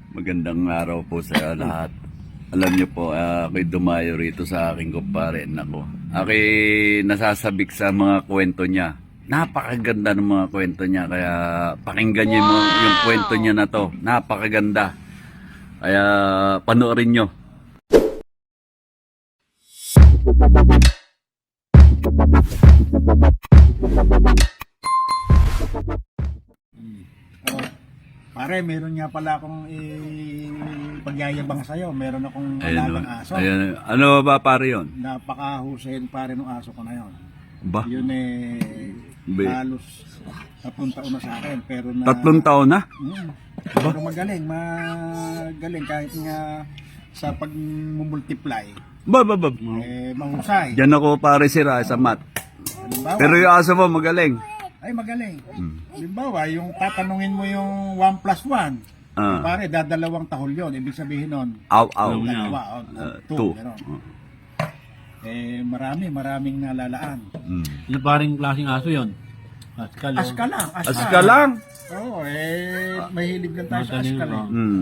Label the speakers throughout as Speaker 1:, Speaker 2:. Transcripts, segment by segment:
Speaker 1: Magandang araw po sa lahat. Alam niyo po, ako'y dumayo rito sa aking kumpare. Nako, ako'y nasasabik sa mga kwento niya. Napakaganda ng mga kwento niya. Kaya pakinggan niyo yung kwento niya na to. Napakaganda. Kaya panoorin niyo.
Speaker 2: Pare, meron nga pala akong pagyayabang sa'yo. Meron akong alagang aso.
Speaker 1: Ayan. Ano ba pare yun?
Speaker 2: Napakahusay pare ng aso ko na yun.
Speaker 1: Ba?
Speaker 2: Yun halos 3 taon na sa akin. Pero na,
Speaker 1: 3 taon na?
Speaker 2: Pero magaling kahit nga sa pagmumultiply.
Speaker 1: Ba.
Speaker 2: Mahusay.
Speaker 1: Diyan ako pare sira sa mat.
Speaker 2: Halimbawa,
Speaker 1: Pero yung aso mo magaling.
Speaker 2: ay magaling. Halimbawa, yung tatanungin mo yung 1 plus 1. Pare, dadalawang tahol yun. Ibig sabihin nun,
Speaker 1: Aw.
Speaker 2: dalawa, 2. Maraming nalalaan.
Speaker 3: Ano paring klaseng aso yun? Askal.
Speaker 2: Aska lang.
Speaker 1: lang?
Speaker 2: Oo, mahilig lang tayo sa askal.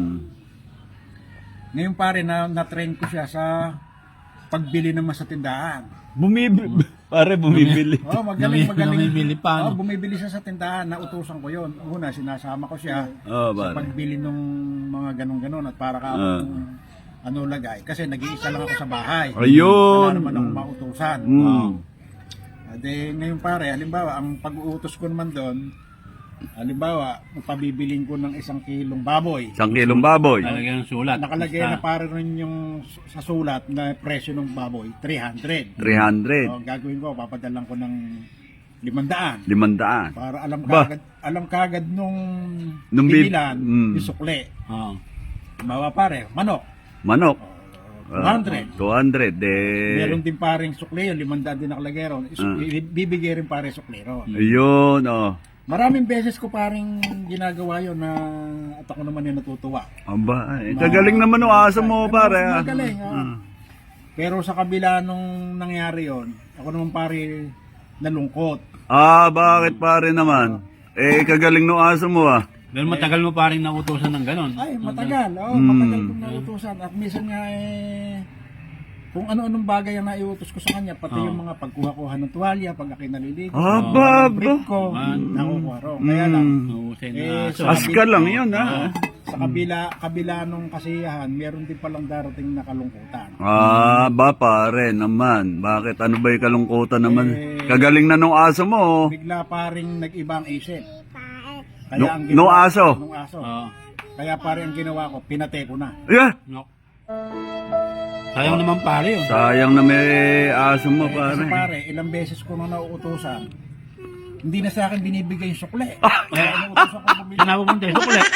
Speaker 2: Ngayon pare, na-train ko siya sa pagbili naman sa tindahan.
Speaker 1: Bumibili.
Speaker 2: Oh, magaling.
Speaker 3: Bumibili pa, no?
Speaker 2: Bumibili siya sa tindahan, nautusan ko yon. Una, sinasama ko siya
Speaker 1: Oh,
Speaker 2: sa
Speaker 1: pare.
Speaker 2: pagbili ng mga ganon-ganon at para ka lagay. Kasi nag-iisa lang ako sa bahay.
Speaker 1: Ayun.
Speaker 2: Wala naman akong mautusan. Ngayon pare, halimbawa, ang pag-uutos ko naman doon, halimbawa, pabibiling ko ng 1 kilong baboy.
Speaker 1: 1 kilong baboy.
Speaker 3: Talagang sulat.
Speaker 2: Nakalagay na para rin yung sa sulat na presyo ng baboy, 300.
Speaker 1: 300.
Speaker 2: So, gagawin ko, papadalan ko ng 500.
Speaker 1: 500.
Speaker 2: Para
Speaker 1: Ba?
Speaker 2: alam kagad nung
Speaker 1: Bibilan.
Speaker 2: yung sukli.
Speaker 3: Oo.
Speaker 2: Bawa pare, manok.
Speaker 1: Manok.
Speaker 2: 200.
Speaker 1: 200.
Speaker 2: Meron din paring sukli yun, 500 din nakalagay ron. Bibigay rin pare sukli ron.
Speaker 1: Ayun, oh.
Speaker 2: Maraming beses ko paring ginagawa yun na at ako naman yung natutuwa.
Speaker 1: Aba, kagaling naman ng aso mo, pare.
Speaker 2: Magaling, Pero sa kabila nung nangyari yon, ako naman pare nalungkot.
Speaker 1: Bakit pare naman? Kagaling ng aso mo,
Speaker 3: Pero matagal mo paring nautusan ng ganon.
Speaker 2: Ay, matagal. Matagal kong nautusan. At minsan nga kung ano-anong bagay ang naiutos ko sa kanya, pati yung mga pagkuha-kuha ng tuwalya, pag ako'y naliligo, brief ko, nakukuha ro. Kaya lang,
Speaker 3: Mahusay na aso.
Speaker 1: Aska lang yun,
Speaker 2: sa kabila nung kasiyahan, meron din palang darating na kalungkutan.
Speaker 1: Ba pare naman. Bakit? Ano ba yung kalungkutan naman? Kagaling na nung aso mo.
Speaker 2: Bigla paring nag-ibang isip.
Speaker 1: Nung aso?
Speaker 2: Nung aso.
Speaker 3: Oo.
Speaker 2: Kaya pare ang ginawa ko, pinate ko na.
Speaker 1: Yeah.
Speaker 3: No. Sayang naman pare yun.
Speaker 1: Sayang na may aso mo,
Speaker 2: Kasi
Speaker 1: pare.
Speaker 2: pare, ilang beses ko nang nauutosan, hindi na sa akin binibigay yung sukle. Kaya inuutosan ko bumili.
Speaker 3: Saan napupunta yung sukulit?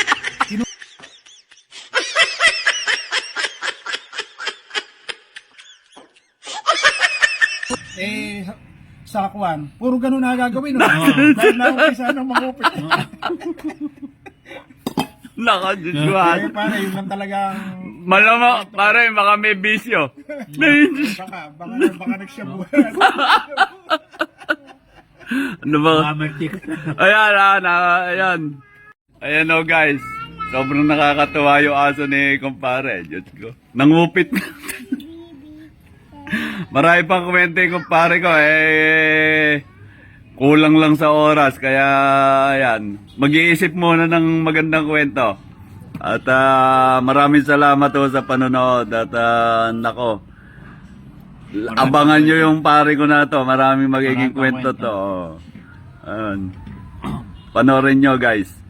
Speaker 2: Sa Kwan, puro ganun na gagawin. No? Dahil na-umpisa ng mangupit.
Speaker 1: Nakadudwan.
Speaker 2: Pare, yun lang talagang...
Speaker 1: Malamang, pare, baka may bisyo.
Speaker 2: Baka nagsyabuhan.
Speaker 1: Ano ba?
Speaker 3: Mamertik.
Speaker 1: Ayan. Ayan o guys. Sobrang nakakatuwa yung aso ni kumpare. Diyos ko. Nangupit. Marami pang kwento yung kumpare ko. Kulang lang sa oras. Kaya, ayan. Mag-iisip muna ng magandang kwento. At maraming salamat po sa panonood. At nako. Abangan nyo yung pare ko na to. Maraming magiging kwento to. Panoorin nyo guys.